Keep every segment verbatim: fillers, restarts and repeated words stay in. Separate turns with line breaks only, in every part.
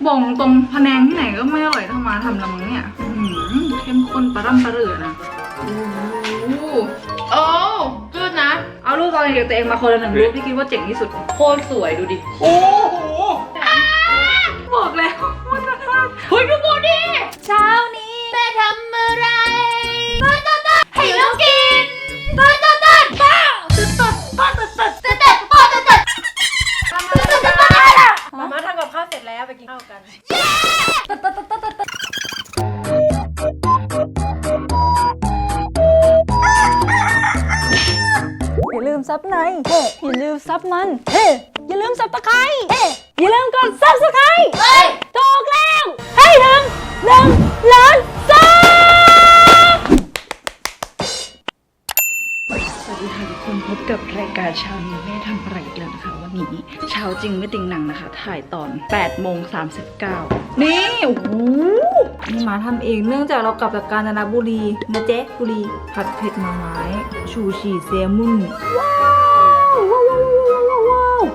บอกตรงพะแนงที่ไหนก็ไม่อร่อยเท่ามาทำละมั้งเนี่ยเข้มข้นปลาร่ำปลาเรือนะโอ้โอ้จืดนะเอารูปตอนเด็กตัวเองมาคนละหนึ่งรูปที่คิดว่าเจ๋งที่สุดโคตรสวยดูดิโอ้โหบอกแล้วว่าจะทำเฮ้ยดูโมดิเช้านี้แม่ทำอะไรต้นต้นต้นให้เรากินต้นต้นต้นป้าต้นต้นป้าต้นต้นต้นต้นป้าต้นต้นต้นต้นป้ามาม่าทำกับข้าวเสร็จแล้วไปกินข้าวกันอย่าลืมซับในเฮ้อย่าลืมซับมันเฮ้อย่าลืมซับตะไคร้เฮ้อย่าลืมกดซับสไคร้เฮ้ยถูกแล้วให้ถึงหนึ่งล้านซับสวัสดีค่ะทุกคนพบกับรายการเช้านี้แม่ทำอะไรอีกแล้วนะคะวันนี้เช้าจริงไม่ติงหนังนะคะถ่ายตอนแปดโมงสามสิบเก้านี่โอ้โหนี่มาทำเองเนื่องจากเรากลับจากกาญจนบุรีนะเจ๊บุรีผัดเผ็ดหน่อไม้ชูชีเซมุนว้าวว้าวว้าวว้าว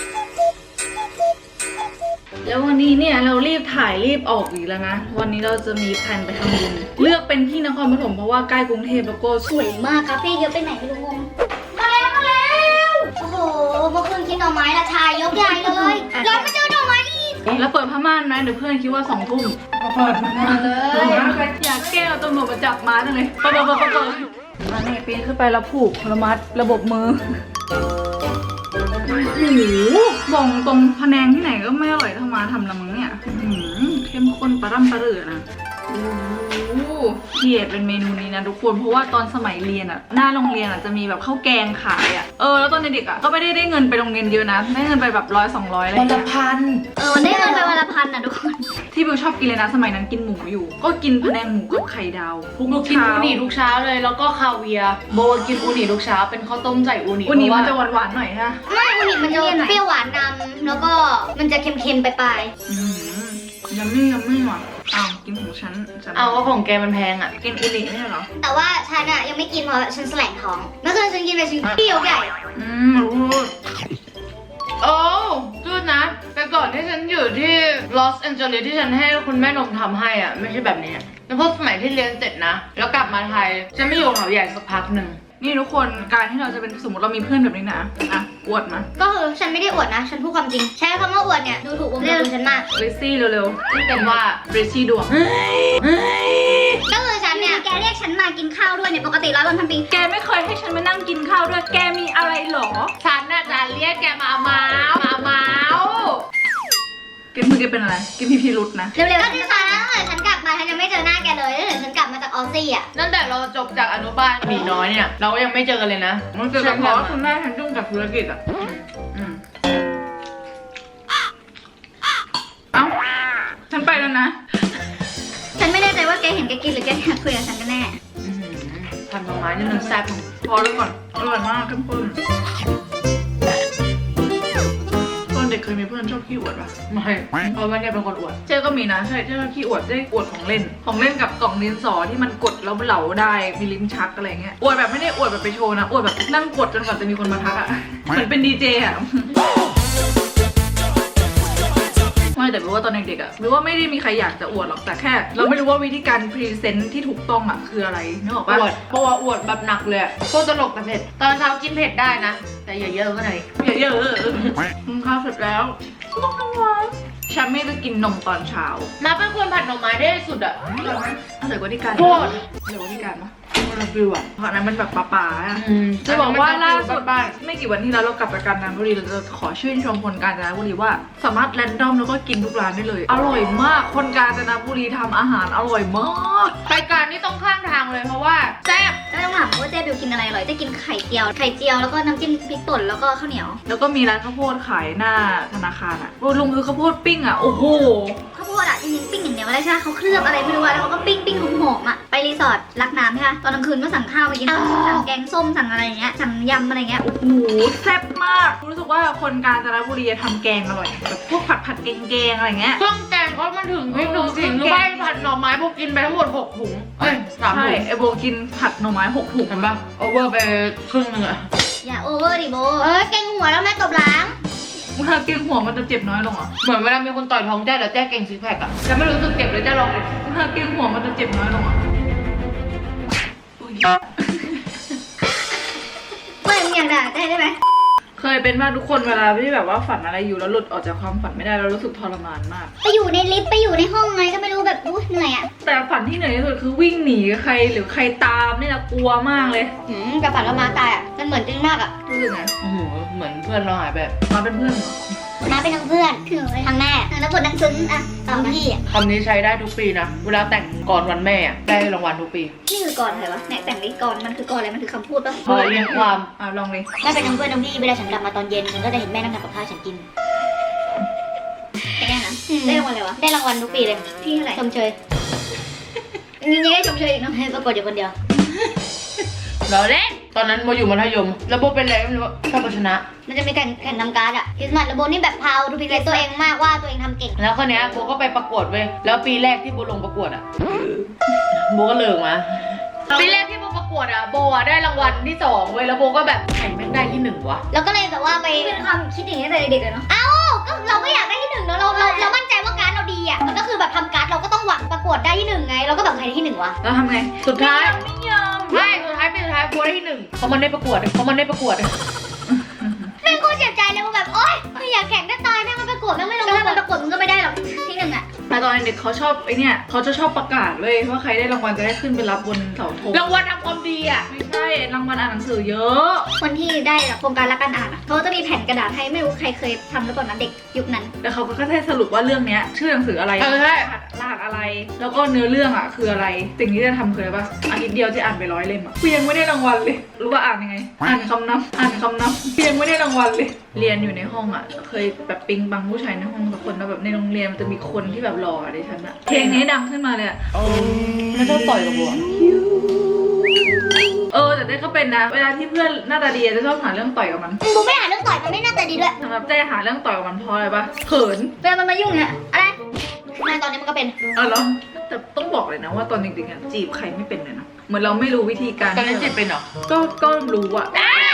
แล้ววันนี้เนี่ยเรารีบถ่ายรีบออกอีกแล้วนะวันนี้เราจะมีแผนไปทำบุญเลือกเป็นที่นครปฐมเพราะว่าใกล้กรุงเทพแล้วก็สวยมาก
คาเฟ่เยอะไปไหนไม่รู้งงมาแล้วมาแล้วโอ้โหเมื่อคืนกินหน่อไม้ละชายยกใหญ่เลยแล้วมาเจอหน่อไม้อีก
แล้วเปิดผ้าม่านนะเดี๋ยวเพื่อนคิดว่าสองทุ่มเปิดมาเลยอยากแก้เอาตำรวจมาจับมาจังเลยเปิดเปิดเปิดเปิดมาเนี่ยปีนขึ้นไปแล้วผูกระมัดระบบมือโอ้โหบอกตรงพะแนงที่ไหนก็ไม่อร่อยเท่ามาทำละมั้งเนี่ยเข้มข้นปลาร่ำปลาเรือนะโอ้โหเกียดเป็นเมนูนี้นะทุกคนเพราะว่าตอนสมัยเรียนอ่ะหน้าโรงเรียนอ่ะจะมีแบบข้าวแกงขายอ่ะเออแล้วตอนเด็กอ่ะก็ไม่ได้ได้เงินไปโรงเรียนเยอะนะได้เงินไปแบบร้อยสองร้อยอะไรวันละพัน
เออได้เงินไปวันละพันอ่ะทุกคน
ที่บิวชอบกินเลยนะสมัยนั้นกินหมูอยู่ก็กินพะแนงหมูกับไข่ดาว
ทุกกินอูนิทุกเช้าเลยแล้วก็คาเวียโบกินอูนิทุกเช้าเป็นข้าวต้มใส่อูนิ
อูนิมันจะหวานๆหน่อยฮะ
ไม่อูนิมันจะเปรี้ยวหวานนำแล้วก็มันจะเค็มๆไปปลาย
ยัมมี่ยัมมี่ว่ะอ้าวกินของฉัน
เอาว่าของแกมันแพงอ่ะ
กินอูนิไม่ใช่เหรอ
แต่ว่าฉันอะยังไม่กินเพราะฉันแสลงท้องเมื่อคืนฉันกินไปชิ้นเปรี้ยวใหญ่
อืมรู้
โอ้จืดนะแต่ก่อนที่ฉันอยู่ที่ลอสแอนเจลิสที่ฉันให้คุณแม่นมทำให้อ่ะไม่ใช่แบบนี้แล้วพอสมัยที่เรียนเสร็จนะแล้วกลับมาไทยฉันไม่อยู่เขาใหญ่สักพักหนึ่ง
นี่ทุกคนการที่เราจะเป็นสมมติเรามีเพื่อนแบบนี้นะอ่ะอวดมา
ก็คือฉันไม่ได้อวดนะฉันพูดความจริงใช้คำว่าอวดเนี่ยดูถูกวงการฉันมาก
เรซี่เร็วๆที่เป็นว่าเรซี่ดวง
ก็คือฉันเนี่ยแกเรียกฉันมากินข้าวด้วยเนี่ยปกติร้อยวันพันปี
แกไม่เคยให้ฉันมานั่งกินข้าวด้วยแกมีอะไรหรอ
ฉันน่ะจะเรียกแกมาเมาส์มาเมาส์
แกมือแกเป็นอะไรแกมีพิรุธนะ
เร็วๆก็ที่ฉันตั้งแต่ฉันกลับมาฉันยังไม่เจอหน้าแกเลยตั้งแต่ฉันกลับมาจากออสซี่อ่ะ
ตั้งแต่เราจบจากอนุบาลหมีน้อยเนี่ยเราก็ยังไม่เจอกันเลยนะ
มันเจอกันเพราะคุณแม่ฉันยุ่งกับธุรกิจอ่ะเอ้าฉันไปแล้วนะ
ฉันไม่แน่ใจว่าแกเห็นแกกินหรือแกอยากคุยกับฉันกันแน่
ทำดอกไม้นี่มันแซ่บ
พอแล้วก่อนอร่อยมากเข้มข้นเด็กเคยมีเพื่อนชอบขี้อวดป่ะ
ไม่เพราะว่าเนี่ยเป็นคนอวด
เจ๊ก็มีนะใช่เจ๊ขี้อวดเจ๊อวดของเล่นของเล่นกับกล่องดินสอที่มันกดแล้วเหลาได้มีลิ้นชักอะไรเงี้ยอวดแบบไม่ได้อวดแบบไปโชว์นะอวดแบบนั่งกดจนกว่าจะมีคนมาทักอ่ะเหมือนเป็นดีเจอ่ะไม่แต่รู้ว่าตอนเด็กๆอ่ะรู้ว่าไม่ได้มีใครอยากจะอวดหรอกแต่แค่เราไม่รู้ว่าวิธีการพรีเซนต์ที่ถูกต้องอ่ะคืออะไรนึกออกป่ะ
อวดเพราะว่าอวดแบบหนักเลยโคตรตลกแต่เผ็ดตอนเช้ากินเผ็ดได้นะแต่อย่าเยอะก็หน่อย
อย่าเยอะกินข้าวเสร็จแล้วต้องทำงานฉันไม่จะกินนมตอนเช้า
มาเป็นคนผัดหน่อไม้ได้สุดอ่ะ
อร่อยไหมอร่อยกว่าที่การ
โคตร
อร่อยกว่าที่การปะ
มันละฟิวอ่ะ
เพราะนั้นมันแบบป่าๆอ่ะจะบอกว่าล่าสุดไม่กี่วันที่แล้วเรากลับจากกาญจนบุรีเราจะขอชื่นชมคนกาญจนบุรีว่าสามารถแรนดอมแล้วก็กินทุกร้านได้เลยอร่อยมากคนกาญจนบุรีทำอาหารอร่อยมาก
รายการนี้ต้องข้างทางเลยเพราะว่าแซ่บ
ไม่ต้องถามว่าเจ๊บิวกินอะไรอร่อยจะกินไข่เจียวไข่เจียวแล้วก็น้ำจิ้มพริกป่นแล้วก็ข้าวเหนียว
แล้วก็มีร้านข้าวโพดขายหน้าธนาคารอ่ะลุงคือข้าวโพดปิ้งอ่ะโอ้โห
ข้าวโพดอ่ะจริงๆปิ้งอย่างเดียวไม่ได้ใช่ไหมเขาเคลือบอะไรไม่รู้แล้วเขาก็ปิ้งปิ้งหอมๆอ่ะไปรีสอร์ทรักน้ำใช่ไหมตอนกลางคืนก็สั่งข้าวมากินสั่งแกงส้มสั่งอะไรอย่างเงี้ยสั่งยำอะไรเงี้ย
โอ้โหแซ่บมากรู้สึกว่าคนกาญจนบุรีทำแกงอร่อยแบบพวกผัดผัดแกงแกงอะไรเงี้ย
เครื่องแกงเขามันถึงพริกหนึ่งสิ่งหรือไม่ผัดหน่อไม้พวกกินไปทั้งหมดหกถุงเอ้ยสามถุง
ไอโบกินผัดหน่อไม้หกถุง
เห็นปะโอเวอร์ไปครึ่งนึงอะ
อย่าโอเวอร์ดิโบเอ้ยแกงหัวแล้วแม่ตบล้าง
เวลาเกรงหัวมันจะเจ็บน้อยลงอ่ะ
เหมือนเวลามีคนต่อยท้องแจ้แล้วแจ้เก่งซิกแพคอะจะไม่รู้สึกเจ็บเลยแจ้ลองเลย
เวลาเกรงหัวมันจะเจ็บน้อยลงอ่ะอุ๊ย
ไม่มึงอยากด่าได้ได้ไหม
เคยเป็นมากทุกคนเวลาที่แบบว่าฝันอะไรอยู่แล้วหลุดออกจากความฝันไม่ได้แล้วรู้สึกทรมานมาก
ไปอยู่ในลิฟต์ไปอยู่ในห้องไงก็ไม่รู้แบบอู้เหนื่อยอ่ะ
แต่ฝันที่เหนื่อยที่สุดคือวิ่งหนีใครหรือใครตามนี่นะกลัวมากเลย
หืมกระฝันว่ามาตายอ่ะมันเหมือนจริงมากอ่ะ
รู้สึกไง
โอ้โหเหมือนเพื่อนเราหายแบบ
มาเป็นเพื่อนเหรอ
มาเป็นทั้งเพื่อนคือทั้งแม่แล้วบททั้งซึ้งอ่ะต่อพี่อ่ะ
คำนี้ใช้ได้ทุกปีนะเวลาแต่งก่อนวันแม่อะได้รางวัลทุกปี
นี่คือก่อนอะไรวะแม่แต่งนี้ก่อนมันคือก่อนอะไรมันคือคำพูดปะ
พอเรียงความ
อ่ะลองเลย
แม่เป็นทั้งเพื่อนทั้งพี่เวลาฉันกลับมาตอนเย็นฉันก็จะเห็นแม่นั่งทำกับข้าวฉันกินแค่นี้นะได้รางวัลอะไรวะได้รางวัลทุกปีเลยพี่เท่าไหร่ชมเชยยังได้ชมเชยอีกเนาะให้ประกวดอยู่คนเดียว
เราเล่นตอนนั้นโมอยู่มัธยมแล้วโบเป็นอะไรไม่รู้ว่าชอบเอาชนะ
มันจะมีแข่งแข่งนำการ์ดอะคริสต์มาสแล้วโบนี่แบบพาวดูพิเศษตัวเองมากว่าตัวเองทำเก่ง
แล้วคนนี้ยโบก็ไปประกวดเว้ยแล้วปีแรกที่โบลงประกวดอะโบก็เลิกมาปีแรกที่โบประกวดอะโบอะได้รางวัลที่สองเว้ยแล้วโบก็แบบใครแม่งได้ที่หนึ่งวะ
แล้วก็เลยแบบว่าไปเป็นความคิดอย่างนี้ตั้งแต่เด็กเลยเนาะเอ้าก็เราก็อยากได้ที่หนึ่งเนาะเราเราเรามั่นใจว่าการ์ดเราดีอะมันก็คือแบบทำการ์ดเราก็ต้องหวังประกวดได้ที่หนึ่งไงเราก็แบบใครได้ที่หนึ่งวะ
แล้วทำไง
สุดท้าย
ไม่ยอม
ไม่สุดท้ายปีสุดท้ายโบได้ที่หนึ่งเพราะมันได้ประกวดเพราะมันได้ประกวด
แม่งโคตรเสียใจเลยว่าแบบโอ๊ยไม่อยากแข่งได้ตายแม่งมันประกวดแม่งไม่ลงถ้ามันประกวดมึงก็ไม่ได้หรอกที่หนึ่งอะ
แต่ตอนเด็กเขาชอบไอเนี่ยเขาจะชอบประกาศเลยว่าใครได้รางวัลจะได้ขึ้นไปรับบนเสาธง
รางวัลทำความดีอะ
ไม่ใช่รางวัลอ่านหนังสือเยอะ
คนที่ได้แบบโครงการรักการอ่านอะเขาจะมีแผ่นกระดาษให้ไม่รู้ใครเคยทำหรือเปล่านะเด็กยุคนั้น
แล้วเขาก็แค่สรุปว่าเรื่องเนี้ยชื่อหนังสืออะไร
เออใช่
รหัสอะไร แล้วก็เนื้อเรื่องอ่ะคืออะไร สิ่งที่จะทำคืออะไรปะอาทิตย์เดียวจะอ่านไปร้อยเล่มอ่ะกูยังไม่ได้รางวัลเลย รู้ว่าอ่านยังไง อ่านคำนับอ่านคำนับกูยังไม่ได้รางวัลเลย เรียนอยู่ในห้องอ่ะ เคยแบบปิ๊งบังผู้ชายในห้องสักคนแล้วแบบในโรงเรียนมันจะมีคนที่แบบหล่อดิฉันอ่ะ เพลงนี้ดังขึ้นมาเลยอ่ะ
แล้วชอบต่อยกับโบอะ
เออแต่ได้ก็เป็นนะ เวลาที่เพื่อนหน้าตาดีจะชอบหาเรื่องต่อยกับมัน
กูไม่อ่านเรื่องต่อยมันไม่น่าจะดีด้วย
สำหรับเจ๊หาเรื่องต่อยกับมันเพราะอะไรปะเขิน
เวลามันมายุ่งเนี่ยอะไรแม่ตอนนี้มันก็เป็น
เออแล้วแต่ต้องบอกเลยนะว่าตอนเด็กๆอะจีบใครไม่เป็นเลยนะ เหมือนเราไม่รู้วิธีการ
ตอนนั้นเจ็บเป็นเหรอ
ก็ก็รู้อะ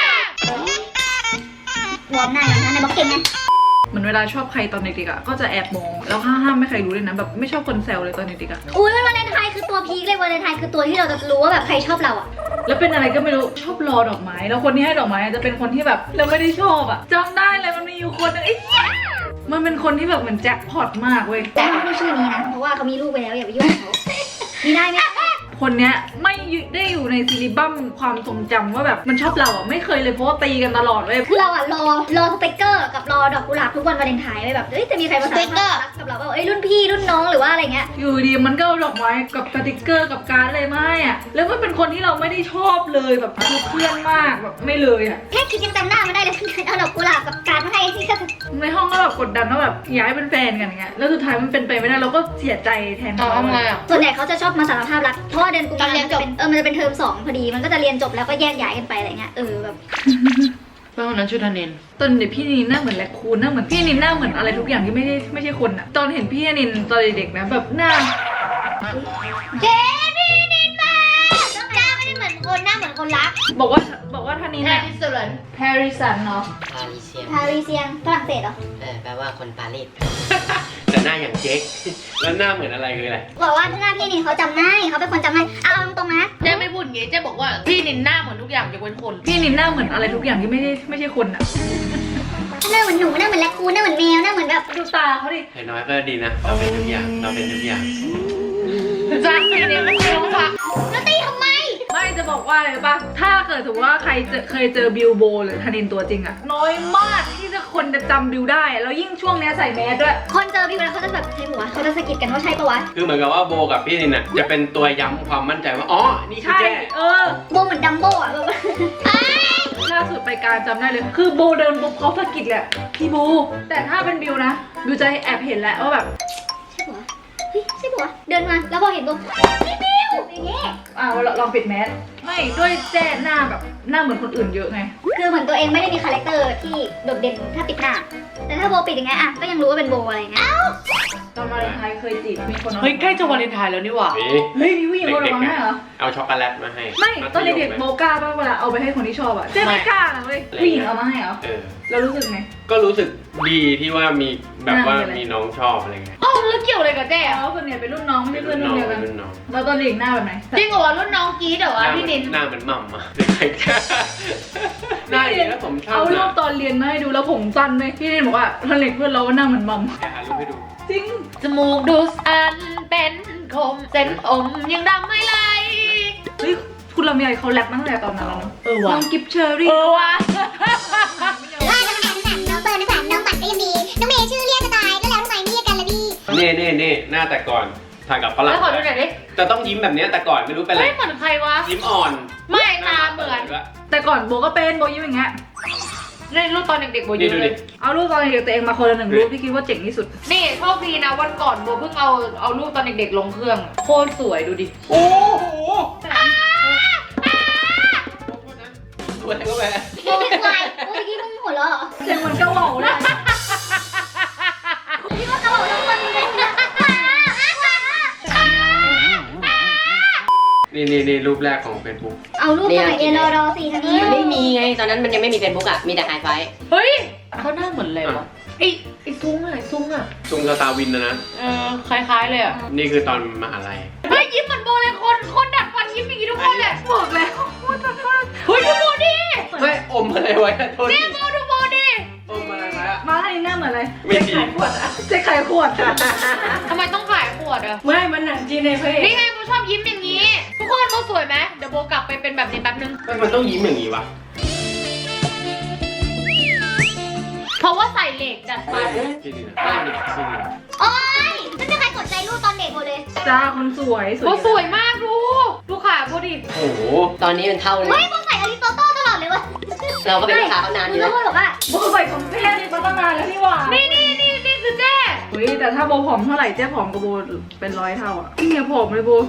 วอร์มหน้าอย่างนั้นในบล็อกเก่งไง
เหมือนเวลาชอบใครตอนเด็กๆอะก็จะแอบมองแล้วห้ามห้ามไม่ใครรู้เลยนะแบบไม่ชอบคนแซวเลยตอนเด็กๆอะ
อุ้ยวันเลนไทน์คือตัวพีคเลยวาเลนไทน์คือตัวที่เราจะรู้ว่าแบบใครชอบเราอะ
แล้วเป็นอะไรก็ไม่รู้ชอบรอดอกไม้แล้วคนที่ให้ดอกไม้จะเป็นคนที่แบบเราไม่ได้ชอบอะจำได้เลยมันมีอยู่คนหนึงไอ้เหี้ยมันเป็นคนที่แบบเหมือนแจ็คพอตมากเว้ย
แต่ไม่พูดชื่อนี้นะเพราะว่าเขามีลูกไปแล้วอย่าไปยุ่งกับเขามีได้ไหม
คนเนี้ยไม่ได้อยู่ในซีรีบัมความทรงจำว่าแบบมันชอบเราอะไม่เคยเลยเพราะว่าตีกันตลอดเลย
คือเราอะรอรอสเปกเกอร์กับรอดอกกุหลาบทุกวันวาเลนไทน์ไว้แบบเอ้ยจะมีใครมาสารภาพรักกับเราเปล่าเอ้ยรุ่นพี่รุ่นน้องหรือว่าอะไรเงี้ย
อยู่ดีมันก็เอาดอกไม้กับสติกเกอร์กับการ์ดอะไรมาให้อะแล้วมันเป็นคนที่เราไม่ได้ชอบเลยแบบคือเพื่อนมากแบบไม่เลยอะ
แค่คิดยังจำหน้ามันได้เลยเอาดอกกุหลาบกับการมาให้ที่ก็
ในห้องก็แบบกดดันว่าแบบอยากให้เป็นแฟนกันอย่างเงี้ยแล้วสุดท้ายมันเป็นไปไม่ได้เราก็เสียใจแทน
เอา
เขา
ทำไงอะ
ส่วนใหญ่เขาจะชอบมาสารภาพรักเพราะว่าเดือนกุมภาพันธ์มันจะเป็นเออมันจะเป็นเทอมสองพอดีมันก็จะเรียนจบแล้วก็แยกย้ายกันไปอะไรเงี้ยเออแบบ
เพื่อนคนนั้นชื่อธนิน
ตอนเด็กพี่นินหน้าเหมือนแรคคูนหน้าเหมือนพี่นินหน้าเหมือนอะไรทุกอย่างที่ไม่ได้ไม่ใช่คนอะตอนเห็นพี่นินตอนเด็กๆนะแบบหน้า
เจ๊พี่นินมาน้องจ้าไม่ได้เหมือนคนหน้าเหมือนคนรัก
บอกว่าบอกว่าท่านนี้
แฮ
เนี่ย
ร์ริสเลน
แฮร์ริสันเนาะ
ปารีเซียน
ปารีเซียนฝรั่งเศสเหรอ
เออแปลว่าคนปารีส
แต่หน้าอย่างเจ๊ก แล้วหน้าเหมือนอะไรคืออะไร
บอกว่าหน้าพี่นินเขาจำได้เขาเป็นคนจำได้เอาตรงๆนะ
เจ๊ไม่พูดอย่างงี้เจ๊บอกว่าพี่นินหน้าเหมือนทุกอย่างยกเว้นคน
พี่นินหน้าเหมือนอะไรทุกอย่างที่ไม่ได้ไม่ใช่คนอะ
หน้าเหมือนหนูหน้าเหมือนแรคคูนหน้าเหมือนแมวหน้าเหมือนแบบ
ดูตาเขาดิ
อย่างน้อยก็ดีนะ เราเป็นทุกอย่าง เราเป็นทุกอย่าง
จ้าพี่นินไม่ใช่น้องค่ะ
แล้วตีทำไม
ไม่จะบอกว่าอะไรปะถ้าเกิดถือว่าใครเจอเคยเจอบิลโบหรือธนินตัวจริงอะน้อยมากที่จะคนจะจำบิลได้แล้วยิ่งช่วงเนี้ยใส่แมสด้วย
คนเจอพี่แล้วเขาจะแบบใช่ปะวะเขาจะสะกิดกันว่าใช่ปะวะ
คือเหมือนกับว่าโบกับพี่นินน่ะจะเป็นตัวย้ำความมั่นใจว่า อ๋อ นี่คือ
ใช่
แจ้
เออ
โบเหมือนดัมโบอ่ะแบบ
ล่าสุดไปการจำได้เลย คือโบเดินปุ๊บเขาสะกิดแหละพี่โบแต่ถ้าเป็นบิลนะบิลจะแอบเห็นแหละว่าแบบ
ใช่ปะวะเฮ้ยใช่ปะวะเดินมาแล้วพอเห็นโบพี่บิวอย่างเงี้ย
อ่าลองปิดแมสไม่ด้วยแจ้หน้าแบบหน้าเหมือนคนอื่นเยอะไง
คือเหมือนตัวเองไม่ได้มีคาแรคเตอร์ที่โดดเด่นถ้าปิดหน้า แต่ถ้าโบปิดอย่างเงี้ยอ่ะก็ยังรู้ว่าเป็นโบอะไรเงี้ย
ตอนวาเลนไทน์เคยจีบมีคนเอา
เฮ้ยใกล้จะวาเลนไทน์แล้วนี่หว่า
นี่
เฮ้ยมีผู้หญิงคนเอามาให้เหรอ
เอาช็อกโกแลตมาให้
ไม่ตอนเด็กๆ
มัธย
โบ
ม
กล้าป่ะเวลาเอาไปให้คนที่ชอบอะเจ๊ไม่กล้านะเว้ยผู้หญิงเอามาให้เหรอ
เออ
แล้วรู้สึกไง
ก็รู้สึกดีที่ว่ามีแบบว่า
น่ามีอะไร
มีน้องชอบอะไรเงี้ย
เอ้าแล้วเกี่ยวอะไรกับเจ๊
แต่ว่าคนเนี่ยเป็นรุ่นน้องไม่ใช่เพื่อนรุ่นเดียวกัน
รุ่นน้อง
แล้วตอนเด็กหน้าแบบไหน
จริงเหรอวะรุ่นน้องกรีดเหรอ
ห
วะ
น้าเหมื
พี่
อน
นิน
หน้าเหมือนหม่ำอะหน้าดีแล้วผมชอบ
เอารูป
นะ
ตอนเรียนมาให้ดูแล้วผมสั้นไหมพี่เรนบอกว่าตอนเด็กเพื่อนเราว่าหน้าเหมือนมัม
แกหารูปให้ดู
จริง
จมูกดูสันเป็นคมเส้นผมยังดำไม่ไหล
เฮ้ยคุณลำไยเขาแรปมาตั้งแต่ตอนนั้นแล้วเนอะ
เออว่ะ
น้องกิฟเชอรี่
เออว่ะ
ว่าน้องแหม่มน้องเฟิร์นน้องแหม่มน้องปัดก็ยังดี น้องเมย์ชื่อเรียกจะตาย แล้วแล้วทำไมไม่เรียกกันล่ะพี่
เน่เน่เน่หน้าแต่ก่อนถ่ายกับฝรั่ง
แล้วขอดูหน่อยดิ
จะต้องยิ้มแบบเนี้ยแต่ก่อนไม่รู้เป็นไร
เฮ้ยเหมือนใครวะ
ยิ้มอ่อน
ไม่ตาเหมือน
แต่ก่อนโบก็เป็นโบยิ้มอย่างเงี้ย
ในรูปตอนเด็กๆโบ
นี่
เย
ดู
อะเล
ดิ
ย
เอารูปตอนเด็กตัวเองมาคนละหนึ่งรูปที่คิดว่าเจ๋งที่สุด
นี่โชคดีนะวันก่อนโบเพิ่งเอาเอารูปตอนเด็กๆลงเครื่อง โคตรสวยดูดิ
โอ้โหสวยก็แหวะ
โบเป็นควายโบเมื่อกี้มึงหัวเราะเหรอ
เจ๋งเหมือนกระเหว่าเลย
พี่ว่ากระบอกทั้งคนเลยนะ
นี่นี่นี่รูปแรกของ Facebook
เอารูปสมัยเรียนรอรอสี่ทันที
มันไม่มีไง ตอนนั้นมันยังไม่มีเฟซบุ๊กอ่ะ มีแต่ไฮไฟ
เฮ้ยเขาหน้าเหมือนอะไรวะไอไอซุ้งอะไอซุ้งอะ
ซุงสตาร์วินนะนะ
เออคล้ายๆเลยอะ
นี่คือตอนมหาลัย
เฮ้ยยิ้มเหมือนโบเลยคนคนดัดฟันยิ้มอย่างนี้ทุกคนเลย
บอกแล้วว่าจะพลาด
เฮ้ยดูโบดิ
เฮ้ย อมอะไรไว้อะโทษ
เนี่
ที
ยโบดูโบดิ
อมอะไรไว้อะ
มาให้หน้าเหมือนอะไร
ไม่จริง
ขายขวดอะเจ๊ขายขวดอะ
ทำไมต้องขายขวดอะ
ไม่มันหนังจีนในเพจ
นี่ไงโบชอบยิ้มอย่างนี้ ทุกคนโบสวยไหมเดี๋ยวโบกลับไปเป็นแบบนี้แป๊บนึง
เฮ้ยมันต้องยิ้มอย่างนี้วะ
เพราะว่าใส่เหล็กดัดฟัน
พี่ดีนะพี่ดีพี่ดีนะ
โอ๊ยไม่มีใครกดใจรูปตอนเด็กโบเลย
จ้าคนสวย
โบสวยมากดูดูขาโบดิ
โอ้โห
ตอนนี้มันเท่าเลย
เฮ้ยโบใส่อริสโตโต้ตลอดเลยวะ
เราก็เป็นลูกค้าเขานานอยู่
แล้
แล้ว ว
โบบอกว่า
โบใส่ของแท้มาตั้งนานแล้วนี่หว่า
นี่นี่นี่นี่คือเจ๊
เฮ้ยแต่ถ้าโบผอมเท่าไหร่เจ๊ผอมกับโบเป็นร้อยเท่าอะเนี่ยผอมเลยโบ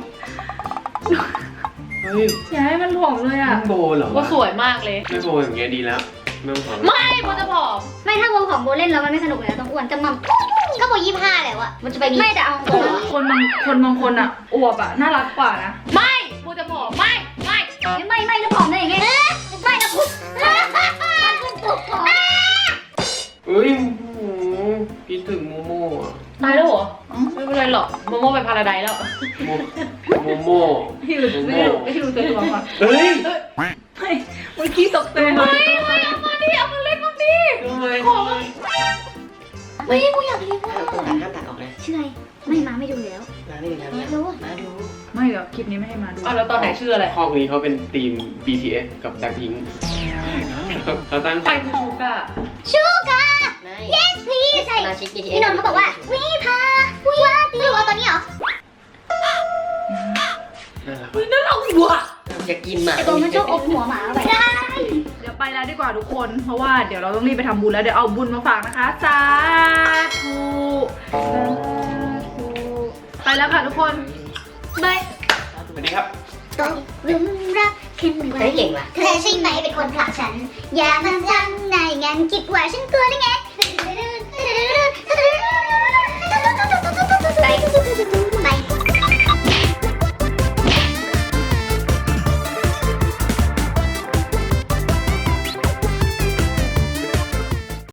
เฮ้ย
อย่าให้มันผอมเลยอะ
โบเหรอ
โบ
วะ
สวยมากเลย
ไม่โบอย่างเงี้ยดีแล้วไม่ต้องผอม
ไม่โบจะผอม
ไม่ถ้าโบผอมโบเล่นแล้วมันไม่สนุกเลยนะต้องอ้วนจะมั่มก็โบยี่ห้าแล้วอะมันจะไปมีไม่แต่เอาตรง
คนบางคนบางคนอะอวบอะน่ารักกว่านะ
ไม่โบจะผอมไม่ไม่
ๆไม่ไม่แล้วผอมได้ยังไงไม่แล้วปุ๊บมันปุ๊บปุ๊บผอม
เฮ้ยโอ้โหคิดถึงโมโม่อะ
ตายแล้วเหรอไม่เป็นไรหรอกโมโมไปพาราไดซ์แล้ว
โมโมโม่
พี่ดูพี่ดูพี่ดูตัวตัวก่อน
เฮ้ย
เฮ้ยเมื่อกี้ตกใจไหม
เฮ้ยเอามาดิเอามาเล่นมาดิ
ทำไม
เฮ้ยกูอยากเรียน
ห้ามตัดห้ามตัดออกนะ
ชื่ออะไรไม่มาไม่ดูแล้ว
มาไม่ดูแล้ว
มาดู
มาดู
ไม่เดี๋ยวคลิปนี้ไม่ให้มาดู
อ่ะแล้วตอนไหนชื่ออะไร
คอกนี้เขาเป็นทีม บี ที เอส กับแบล็คพิงค์เขาตั้ง
ใครคือชูก้า
ชูกา
ไม่
yes please ใช่
สมาชิก บี ที เอส
พี่นนท์เขาบอกว่าวิพาวิวาตีหรือว่าตอนนี้เหรอ
น่ารัก
นั่นเราหัว
อยากกินหมา
ไอตัวมันชอบอมหัวหมาเข้าไปได้
เดี๋ยวไปแล้วดีกว่าทุกคน เพราะว่าเดี๋ยวเราต้องรีบไปทำบุญแล้วเดี๋ยวเอาบุญมาฝากนะคะสาธุสาธุไปแล้วค่ะทุกคนบาย
สวัสดีครับ
ตกหลุมรักขึ้นไว้
เฮ้ยเก่งว่ะ
เธอใช่ไหมเป็นคนผลักฉัน อย่ามาทำนายงั้นคิดว่าฉันกลัวได้ไง